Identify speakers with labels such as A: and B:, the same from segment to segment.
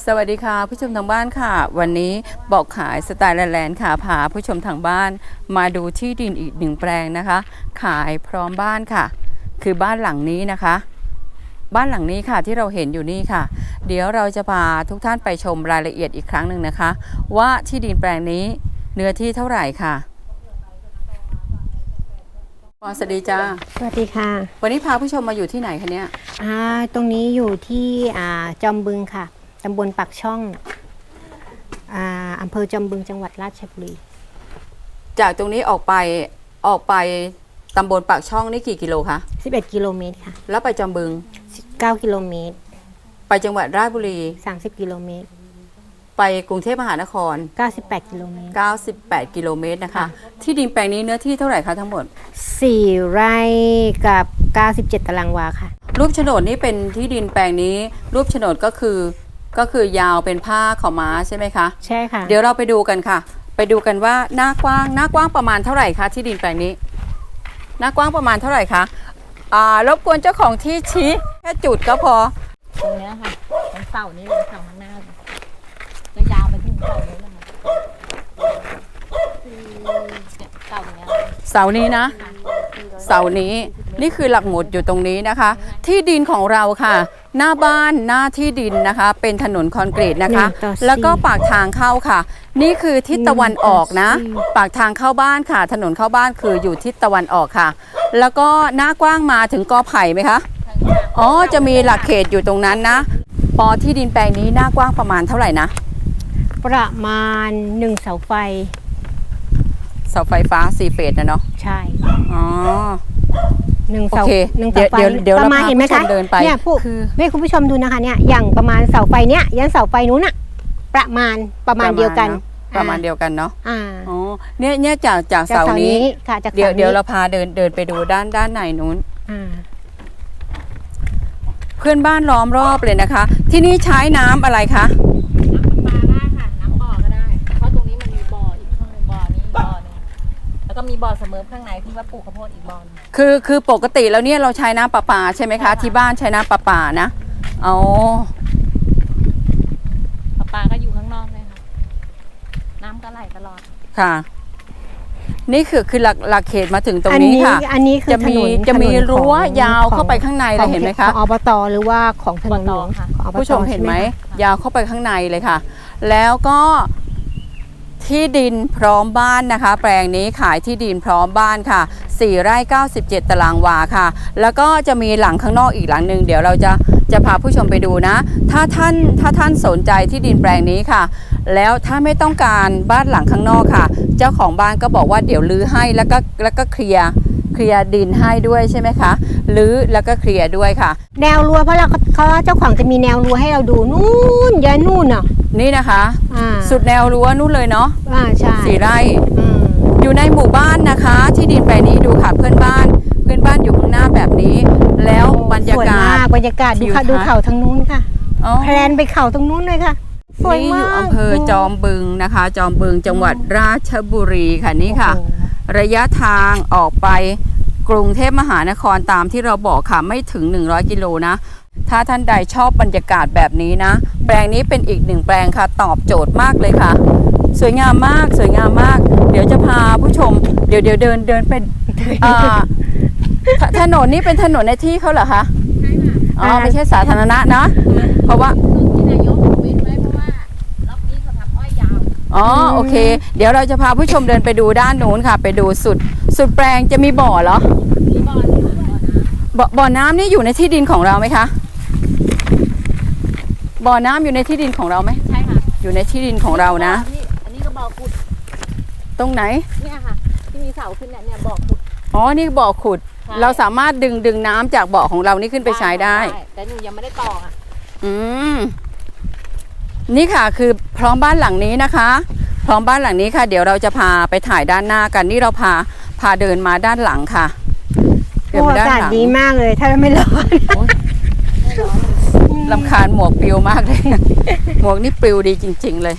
A: สวัสดีค่ะผู้ชมทางบ้านค่ะวันนี้บอกขายสไตล์แลนด์ค่ะพาผู้ชมทางบ้านมาดูที่ดินอีกหนึ่งแปลงนะคะขายพร้อมบ้านค่ะคือบ้านหลังนี้นะคะบ้านหลังนี้ค่ะที่เราเห็นอยู่นี่ค่ะเดี๋ยวเราจะพาทุกท่านไปชมรายละเอียดอีกครั้งหนึ่งนะคะว่าที่ดินแปลงนี้เนื้อที่เท่าไหร่ค่ะสวัสดีจ้า
B: สวัสดีค่ะ
A: วันนี้พาผู้ชมมาอยู่ที่ไหนคะเนี่ย
B: ตรงนี้อยู่ที่จอมบึงค่ะตำบลปากช่องอำเภอจอมบึงจังหวัดราชบุรี
A: จากตรงนี้ออกไปตำบลปากช่องนี่กี่กิโลคะ
B: 11 กิโลเมตรค่ะ
A: แล้วไปจอมบึง
B: 9 กิโลเมตร
A: ไปจังหวัดราชบุรี
B: 30 กิโลเมตร
A: ไปกรุงเทพมหานคร
B: 98 กิโลเมตร
A: 98 กิโลเมตรนะคะที่ดินแปลงนี้เนื้อที่เท่าไหร่คะทั้งหมด
B: 4 ไร่กับ97 ตารางวาค่ะ
A: รูปโฉนดนี่เป็นที่ดินแปลงนี้รูปโฉนดก็คือยาวเป็นผ้าขาวม้าใช่ไหมคะ
B: ใช่ค่ะ
A: เดี๋ยวเราไปดูกันค่ะไปดูกันว่าหน้ากว้างประมาณเท่าไหร่คะที่ดินแปลงนี้หน้ากว้างประมาณเท่าไหร่คะรบกวนเจ้าของที่ชี้แค่จุดก็พอ
C: ตรงนี้ค่ะตรงเสานี้เลยเสาข้างหน้าจะยาวไปถึงเสานี้เลย
A: เสานี้นะเสานี้นี่คือหลักหมุดอยู่ตรงนี้นะคะที่ดินของเราค่ะหน้าบ้านหน้าที่ดินนะคะเป็นถนนคอนกรีตนะคะแล้วก็ปากทางเข้าค่ะนี่คือทิศตะวันออกนะปากทางเข้าบ้านค่ะถนนเข้าบ้านคืออยู่ทิศตะวันออกค่ะแล้วก็หน้ากว้างมาถึงกอไผ่ไหมคะอ๋อจะมีหลักเขตอยู่ตรงนั้นนะปอที่ดินแปลงนี้หน้ากว้างประมาณเท่าไหร่นะ
B: ประมาณ1 เสาไฟ
A: ฟ้า4 เฟสนะเนาะ
B: ใช่
A: อ๋อ
B: 1 เสา1 เสาไฟ
A: เดี๋ยว
B: ประมาณเห็นไหมคะเนี่ยให้คุณผู้ชมดูนะคะเนี่ยอย่างประมาณเสาไฟเนี้ยยันเสาไฟนู้นอะประมาณเดียวกัน
A: ประมาณเดียวกันเนาะอ๋อเนี่ยจากเสานี้
B: ค่ะ
A: เดี๋ยวเราพาเดินไปดูด้านในนู้นเพื่อนบ้านล้อมรอบเลยนะคะที่นี่ใช้น้ำอะไรคะ
C: น้ำประปาได้ค่ะน้ำบ่อก็ได้เพราะตรงนี้มันมีบ่ออีกข้างหนึ่งบ่อนี้บ่อนึงแล้วก็มีบ่อเสมอข้างในที่ว่าปลูกข้าวโพดอีกบ่อนึง
A: คือปกติแล้วเนี่ยเราใช้น้ำประปาใช่ไหมคะที่บ้านใช้น้ำประปานะอ๋อ
C: ประปาก็อยู่ข้างนอกเลยค่ะน้ำก็ไหลตลอด
A: ค่ะนี่คือหลักเขตมาถึงตรงนี้ค่ะ
B: อันนี้คือ
A: จะมีรั้วยาวเข้าไปข้างในเลยเห็นไหมคะ
B: ของอบตหรือว่าของถนนหลวง
A: ผู้ชมเห็นไหมยาวเข้าไปข้างในเลยค่ะแล้วก็ที่ดินพร้อมบ้านนะคะแปลงนี้ขายที่ดินพร้อมบ้านค่ะ4 ไร่97 ตารางวาค่ะแล้วก็จะมีหลังข้างนอกอีกหลังหนึ่งเดี๋ยวเราจะพาผู้ชมไปดูนะถ้าท่านสนใจที่ดินแปลงนี้ค่ะแล้วถ้าไม่ต้องการบ้านหลังข้างนอกค่ะเจ้าของบ้านก็บอกว่าเดี๋ยวรื้อให้แล้วก็เคลียร์ดินให้ด้วยใช่ไหมคะรื้อแล้วก็เคลียร์ด้วยค่ะ
B: แนวรั้วเพราะเขาเจ้าของจะมีแนวรั้วให้เราดูนู่นยันนู่นเนาะ
A: นี่นะคะสุดแนวรั้วนู่นเลยเนาะ
B: ใช่
A: 4 ไร่อยู่ในหมู่บ้านนะคะที่ดินแปลงนี้ดูค่ะเพื่อนบ้านอยู่ข้างหน้าแบบนี้แล้วบรรยากาศ
B: ดูเขาทางนู้นค่ะแพลนไปเขาตรงนู้นเลยค่ะ
A: สวยมากอยู่อำเภอจอมบึงนะคะจอมบึงจังหวัดราชบุรีค่ะนี่ค่ะระยะทางออกไปกรุงเทพมหานครตามที่เราบอกค่ะไม่ถึง100 กิโลนะถ้าท่านใดชอบบรรยากาศแบบนี้นะแปลงนี้เป็นอีก1 แปลงค่ะตอบโจทย์มากเลยค่ะสวยงามมากเดี๋ยวจะพาผู้ชมเดี๋ยวเดินเป็นถนนนี้เป็นถนนในที่เขาเหรอคะอ๋อไม่ใช่สาธารณะนะเพราะว่าอ๋อโอเคเดี๋ยวเราจะพาผู้ชมเดินไปดูด้านนู้นค่ะไปดูสุดแปลงจะมีบ่อเหรอ
C: มี
A: บ่อน้ำนี่อยู่ในที่ดินของเราไหมคะบ่อน้ำอยู่ในที่ดินของเราไหม
C: ใช่ค่ะ
A: อยู่ในที่ดินของเรานะ
C: อันนี้ก็บ่อขุด
A: ตรงไหน
C: เนี่ยค่ะที่มีเสาขึ้นเนี่ยบ่อขุด
A: อ๋อนี่บ่อขุดเราสามารถดึงน้ำจากบ่อของเรานี่ขึ้นไปใช้ได้
C: แต่หนูยังไม่ได้ต่ออ่ะ
A: นี่ค่ะคือพร้อมบ้านหลังนี้นะคะพร้อมบ้านหลังนี้ค่ะเดี๋ยวเราจะพาไปถ่ายด้านหน้ากันนี่เราพาเดินมาด้านหลังค่ะ
B: อากาศดีมากเลยถ้าไม่ร้อน
A: รำคาญหมวกปลิวมากเลยหมวกนี่ปลิวดีจริงๆเลย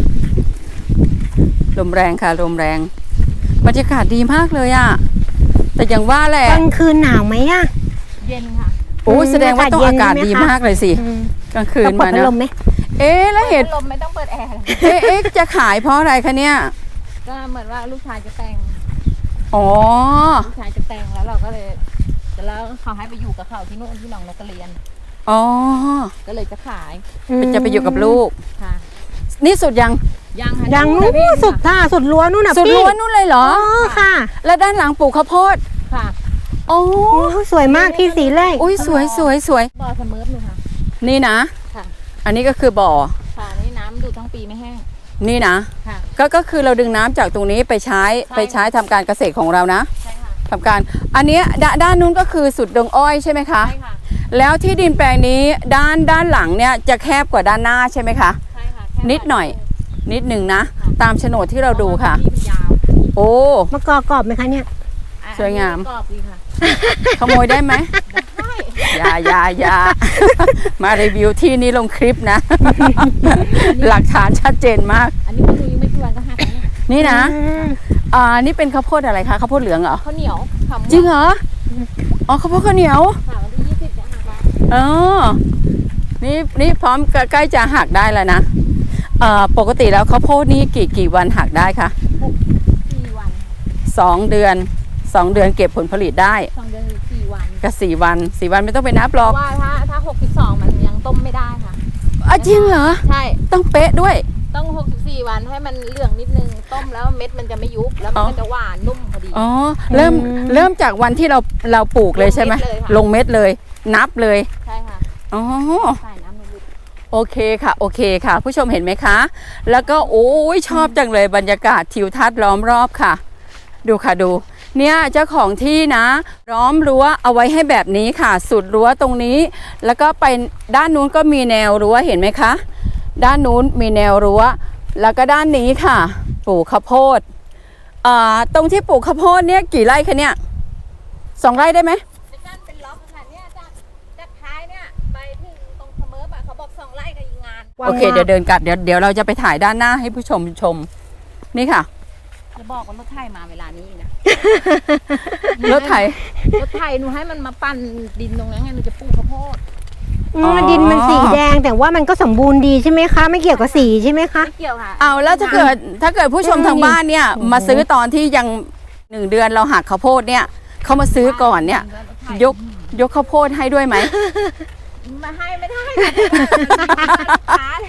A: ลมแรงค่ะลมแรงบรรยากาศดีมากเลยอ่ะแต่อย่างว่าแหละ
B: กลางคืนหนาวไหมอ่ะ
C: เย็นค่ะ
A: โอ้แสดงว่าต้องอากาศดีมากเลยสิกลางคืนมานะเอ๊ะแล้วเหตุ
C: ลมไม่ต้องเปิดแอร์
A: เอ๊ะจะขายเพราะอะไรคะเนี่ย
C: ก็เหมือนว่าลูกชายจะแต่ง
A: อ๋อ
C: ลูกชายจะแต่งแล้วเราก็เลยแล้วเขาให้ไปอยู่กับเขาที่นู่นที่หนองนกกระเรียน
A: อ๋อ
C: ก็เลยจะขาย
A: จะไปอยู่กับลูก
C: ค่ะ
A: นี่สุดยัง
C: ยังค่ะ
B: ยังนู้นสุดค่ะสุดรั้วนู่นน่ะ
A: สุด
B: พี่
A: ล้วนนู่นเลยเหรอ
B: อ๋อค่ะ
A: แล้วด้านหลังปลูกข้าวโพด
C: ค่ะ
A: โอ้
B: โอ้สวยมากที่สีแรก
A: อุ้ยสวยสวยสวย
C: บ่อเสมอหนูค่ะ
A: นี่นะ
C: ค่ะ
A: อันนี้ก็คือบ่อ
C: ค่ะนี่น้ำดูทั้งปีไม่แห้ง
A: นี่นะ
C: ค่ะ
A: ก็คือเราดึงน้ำจากตรงนี้ไปใช้ทำการเกษตรของเรานะ
C: ใช่ค่ะ
A: ทำการ อันเนี้ยด้านนู้นก็คือสุดดงอ้อยใช่ไหมคะ
C: ใช่ค่ะ
A: แล้วที่ดินแปลงนี้ด้านหลังเนี่ยจะแคบกว่าด้านหน้าใช่ไหมคะ
C: ใช่ค่ะแค่
A: นิดหน่อย นิดหนึ่งนะ ตามโฉนดที่เราดูค่ะ
C: ที่มันยาว
A: โอ้
B: มะกอกกรอบไหมคะเนี่ย
C: อ่ะ
A: สวยงาม
C: อันนี้กรอบดีค่ะ
A: ขโมยได้ไหม
C: ได้
A: อย่า มารีวิวที่นี้ลงคลิปนะ หลักฐานชัดเจนมาก
C: อันนี้มันยังไม่กี่วันก็หักแล้วเนี่ย
A: นี่นะ นี่เป็นข้าวโพดอะไรคะข้าวโพดเหลืองเหรอ
C: ข้าวเหนียวขำ
A: จริงเหรอ อ๋อข้าวโพดข้าวเหนียว
C: ค่ะวันที่20จะหักแล้ว
A: เออนี่พร้อมใกล้จะหักได้แล้วนะปกติแล้วข้าวโพดนี่กี่วันหักได้คะ
C: 4 วัน
A: 2 เดือน 2 เดือนเก็บผลผลิตได้
C: 2 เดือนหรือ4 วัน
A: ก็4 วัน 4 วันไม่ต้องไปนับห
C: เพ
A: รอก
C: ราะว่าถ้า62มันยังต้มไม่ได้ค่ะ
A: จริงเหรอ
C: ใช่
A: ต้องเป๊ะด้วย
C: ต้อง64 วันให้มันเหลืองนิดนึงต้มแล้วเม็ดมันจะไม่ยุบแล้วมันก็จะหวานนุ่มพอดี
A: อ๋อเริ่มจากวันที่เราปลูกเลยใช่ไหมลงเม็ดเลย นับเลย
C: ใช่ค่ะ
A: อ๋อ
C: ใส่น้ำในบุตร
A: โอเคค่ะ ผู้ชมเห็นไหมคะ แล้วก็โอ้ยชอบจังเลยบรรยากาศทิวทัศน์ล้อมรอบค่ะ ดูค่ะดู เนี่ยเจ้าของที่นะล้อมรั้วเอาไว้ให้แบบนี้ค่ะ สุดรั้วตรงนี้ แล้วก็ไปด้านนู้นก็มีแนวรั้วเห็นไหมคะ ด้านนู้นมีแนวรั้ว แล้วก็ด้านนี้ค่ะ ปลูกข้าวโพดตรงที่ปลูกข้าวโพดเนี่ยกี่ไร่คะเนี่ย2 ไร่ได้ไหม
C: เป็นการเป็นล็อกค่ะเนี่ยจากท้ายเนี่ยไปถึงตรงเสมอเขาบอก2 ไร่กับอีกงาน
A: โอเคเดี๋ยวเดินกลับเดี๋ยวเราจะไปถ่ายด้านหน้าให้ผู้ชมชม นี่ค่ะ
C: จะบอกว่ารถไถมาเวลานี้นะ
A: รถไถ
C: รถไถหนูให้มันมาปั่นดินตรงนั้นไงหนูจะปลูกข้าวโพด
B: ดินมันสีแดงแต่ว่ามันก็สมบูรณ์ดีใช่ไหมคะ ไม่เกี่ยวกับสีใช่ไหมคะ
C: ไม่เกี่ยวค่ะ
A: เอาแล้วถ้าเกิดผู้ชมทางบ้านเนี่ยมาซื้อตอนที่ยัง1 เดือนเราหักข้าวโพดเนี่ยเขามาซื้อก่อนเนี่ยยกข้าวโพดให้ด้วยไหม
C: มาให้ไม่ได้ค่ะขาเลย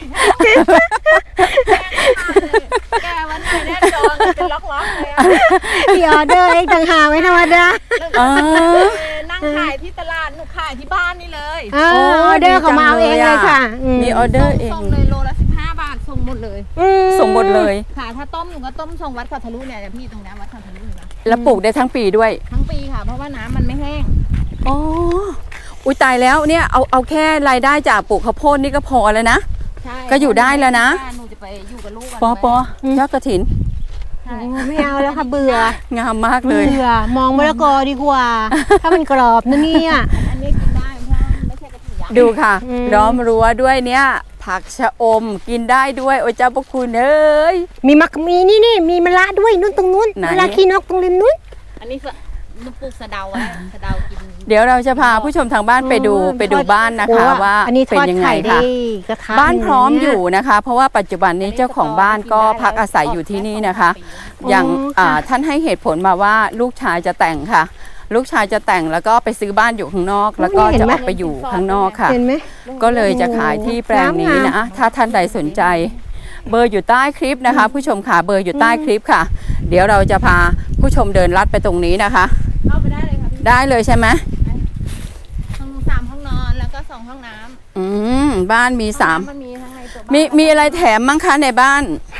C: แกวันไหนแน่จองจะล็อกเลยอะ
B: มีออเดอร์เองต่างหากไม่ธรรมดา
C: นั่งขายที่ตลาดหนูขายที่บ้านนี่เลย
B: ออเดอร์เขามาเอาเองเลยค่ะ
A: มีออเดอร์เอง
C: ส่งเลยโลละ15 บาทส่งหมดเลย
A: ส่งหมดเลย
C: ค่ะถ้าต้มหนูก็ต้มส่งวัดเขาทะลุเนี่ยพี่ตรงนี้วัดเขาทะลุนะ
A: แล้วปลูกได้ทั้งปีด้วย
C: ทั้งปีค่ะเพราะว่าน้ำมันไม่แห้ง
A: อ๋ออุ้ยตายแล้วเนี่ยเอาแค่รายได้จากปลูกข้าวโพดนี่ก็พอแล้วนะ
C: ใช่
A: ก็อยู่ได้แล้วนะ
C: หนูจะไปอยู่กับลูก
A: ปอยอดกระถิน
C: ใช่
B: ไม่เอาแล้วค่ะเบื่อง
A: ามมากเลย
B: เบื่อมองมะละกอดีกว่า ถ้ามันกรอบนะเนี่ย
C: อันนี้กินได้เพราะไม่ใช่กระถิ่นยักษ์
A: ดูค่ะล้อมรั้วด้วยเนี่ย ผักชะอมกินได้ด้วยโอ้เจ้าพระคุณเอ้ย
B: มีนี่มีมะระด้วยนู่นตรงนู้น
A: ไหน
B: มะระขี้นกตรงริมนู้น
C: อันนี้หนูปลูกสะเดาไว้สะเดากิน
A: เดี๋ยวเราจะพาผู้ชมทางบ้านไปดูบ้านนะคะ ว่า
B: อันนี้ท
A: เป็น
B: อด
A: ยังไง
B: ไข่ได้
A: ค่ะ
B: กระทะ
A: บ้านพร้อม
B: เนี่
A: อยู่นะคะ เพราะว่าปัจจุบันนี้เจ้าของบ้านก็พักอาศัยอยู่ที่นี่นะคะ อย่างท่านให้เหตุผลมาว่าลูกชายจะแต่งค่ะ ลูกชายจะแต่งแล้วก็ไปซื้อบ้านอยู่ข้างนอก แล้วก็จะออกไปอยู่ข้างนอกค่ะ
B: เห็นไหม
A: ก็เลยจะขายที่แปลงนี้นะ ถ้าท่านใดสนใจ เบอร์อยู่ใต้คลิปนะคะ ผู้ชมค่ะเบอร์อยู่ใต้คลิปค่ะ เดี๋ยวเราจะพาผู้ชมเดินลัดไปตรงนี้นะคะ
C: เข้าไปได้เลยค่ะพี่
A: ได้เลยใช่ไหม
C: ห้อง3 ห้องนอนแล้วก็2 ห้องน้ำ
A: บ้านมี3
C: มันมีทั้งในตัวบ้าน
A: มีอะไรแถมมั้งคะในบ้าน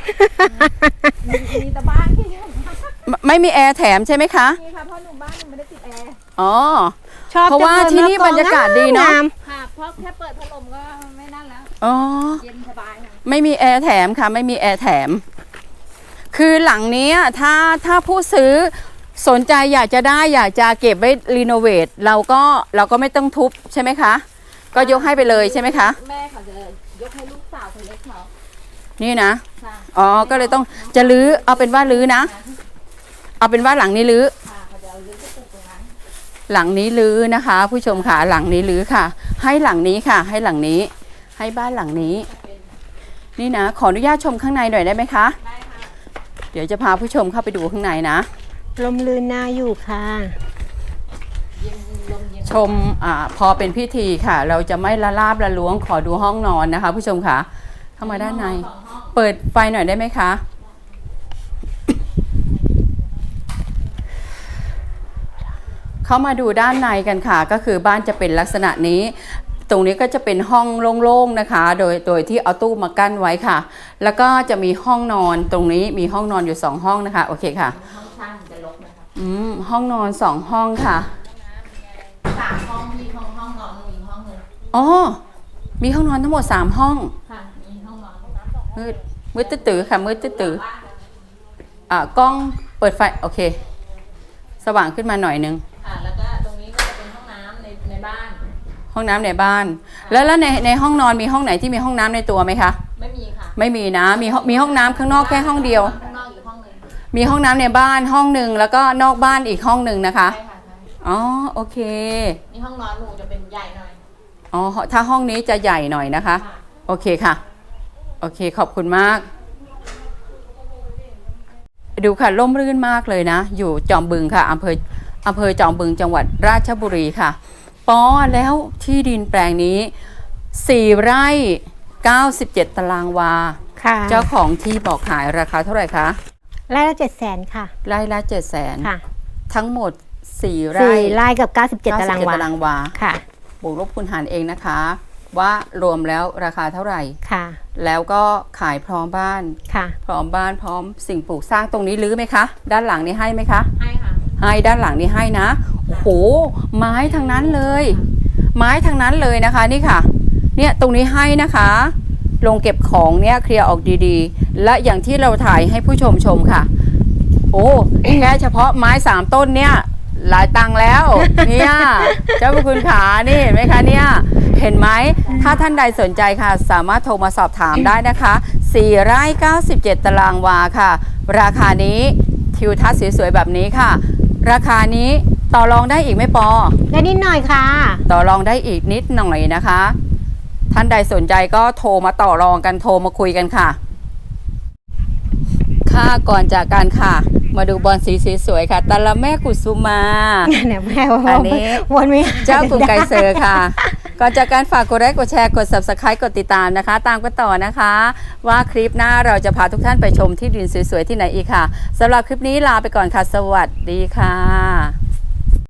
C: มีแต่บ้านที่
A: ไม่มีแอร์แถมใช่ไหมคะ
C: มีค่ะเพราะหนูบ้านหนูไม่ได้ติดแอร์
A: อ๋อ
B: ชอบ
A: เพราะว่าที่นี่บรรยากาศดีเนอะ
B: งาม
C: ค่ะเพราะแค่เปิดพัดลมก็ไม่นั่นแล้ว
A: อ๋อ
C: เย็นสบายค่ะ
A: ไม่มีแอร์แถมค่ะไม่มีแอร์แถม คือหลังนี้ถ้าผู้ซื้อสนใจอยากจะได้อยากจะเก็บไว้รีโนเวทเราก็ไม่ต้องทุบใช่ไหมคะ ก็ยกให้ไปเลยใช่ไหมคะ
C: แม่เขาจะยกให้ลูกสาวคนเล็กเขา
A: นี่นะ
C: ค่ะ
A: อ๋อก็เลยต้องจะรื้อเอาเป็นว่ารื้อนะ เอาเป็นว่าหลังนี้รื้อ
C: ค่ะเขาจะเอาเลี้ยงไปปลูกตรงนั้น
A: หลังนี้รื้อนะคะ ผู้ชมค่ะหลังนี้รื้อค่ะ ให้หลังนี้ค่ะ ให้หลังนี้ ให้บ้านหลังนี้นี่นะ ขออนุญาตชมข้างในหน่อยได้ไหมคะ
C: ได้ค่ะ
A: เดี๋ยวจะพาผู้ชมเข้าไปดูข้างในนะ
B: ลมลื่นน่าอยู่ค่ะ
C: เย็นลมเย็น
A: ชมพอเป็นพิธีค่ะ เราจะไม่ละลาบละล้วงขอดูห้องนอนนะคะ ผู้ชมค่ะเข้ามาด้านใน
C: สองห้อง
A: เปิดไฟหน่อยได้ไหมคะ เข้ามาดูด้านในกันค่ะ ก็คือบ้านจะเป็นลักษณะนี้ ตรงนี้ก็จะเป็นห้องโล่งๆนะคะ โดยที่เอาตู้มากั้นไว้ค่ะ แล้วก็จะมีห้องนอนตรงนี้มีห้องนอนอยู่2ห้องนะคะโอเคค่ะ
C: ห้องช่างจะลกนะคะ
A: ห้องนอน2ห้องค่ะ
C: 3 ห้องที่ห้องนอนอีกห้องหนึง
A: อ๋อมีห้องนอนทั้งหมด3ห้อง
C: ค่ะ มีห้องนอน
A: มืดตื้อๆค่ะมืดตื้อๆกล้องเปิดไฟโอเค สว่างขึ้นมาหน่อยนึง
C: ค่ะ แล้วก็ตรงนี้ก็จะเป็นห้องน้ำในบ้าน
A: ห้องน้ำในบ้าน แล้วในห้องนอนมีห้องไหนที่มีห้องน้ำในตัวไหมคะ
C: ไม่มีค่ะ
A: ไม่มีนะมีห้องน้ำข้างนอกแค่ห้องเดียว
C: ข้างนอกอีกห้องหนึง
A: มีห้องน้ำในบ้านห้องหนึ่งแล้วก็นอกบ้านอีกห้องหนึ่งนะคะ
C: ใช่ค่ะใช่
A: อ๋อโอเค
C: นี่ห้องนอนหนูจะเป็นใหญ่หน่อย
A: อ๋อถ้าห้องนี้จะใหญ่หน่อยนะคะ
C: ค่ะ
A: โอเคค่ะโอเคขอบคุณมาก ดูค่ะร่มรื่นมากเลยนะ อยู่จอมบึงค่ะอำเภอจอมบึงจังหวัดราชบุรีค่ะแล้วที่ดินแปลงนี้4 ไร่ 97 ตารางวา
B: ค่ะ
A: เจ้าของที่บอกขายราคาเท่าไหร่คะ
B: ไร่ละ700,000ค่ะ
A: ไร่ละ 700,000
B: ค่ะ
A: ทั้งหมด4 ไร่
B: 4ไร่กับ97ตารางวา
A: ตารางวา
B: ค่ะ
A: บวกลบคูณหารเองนะคะ ว่ารวมแล้วราคาเท่าไหร่
B: ค่ะ
A: แล้วก็ขายพร้อมบ้าน
B: ค่ะ
A: พร้อมบ้านพร้อมสิ่งปลูกสร้างตรงนี้รื้อไหมคะ ด้านหลังนี้ให้ไหมคะ
C: ให้ค่ะ
A: ให้ด้านหลังนี้ให้นะโอ้โหไม้ทั้งนั้นเลย ไม้ทั้งนั้นเลยนะคะนี่ค่ะ เนี่ยตรงนี้ให้นะคะลงเก็บของเนี่ยเคลียร์ออกดีๆ และอย่างที่เราถ่ายให้ผู้ชมชมค่ะ โอ้แค่เฉพาะไม้3 ต้นเนี่ยหลายตังค์แล้วเนี่ยเจ้าพระคุณขานี่เห็นไหมคะเนี่ยเห็นไหมถ้าท่านใดสนใจค่ะ สามารถโทรมาสอบถามได้นะคะ4 ไร่ 97 ตารางวาค่ะ ราคานี้ทิวทัศน์สวยๆแบบนี้ค่ะ ราคานี้ต่อรองได้อีกไหมปอ
B: ได้นิดหน่อยค่ะ
A: ต่อรองได้อีกนิดหน่อยนะคะ ท่านใดสนใจก็โทรมาต่อรองกันโทรมาคุยกันค่ะค่ะก่อนจากกันค่ะ มาดูบอลสีสวยๆค่ะตาละแม่กุสุมา
B: เนี่ยแม่ว่า
A: อันนี้
B: วนไม่
A: เจ้ากลุ่มไก่เซอร์ค่ะ ก่อนจากการฝากกดไลค์กดแชร์กด Subscribe กดติดตามนะคะ ตามกันต่อนะคะ ว่าคลิปหน้าเราจะพาทุกท่านไปชมที่ดินสวยๆที่ไหนอีกค่ะสำหรับคลิปนี้ลาไปก่อนค่ะ สวัสดีค่ะ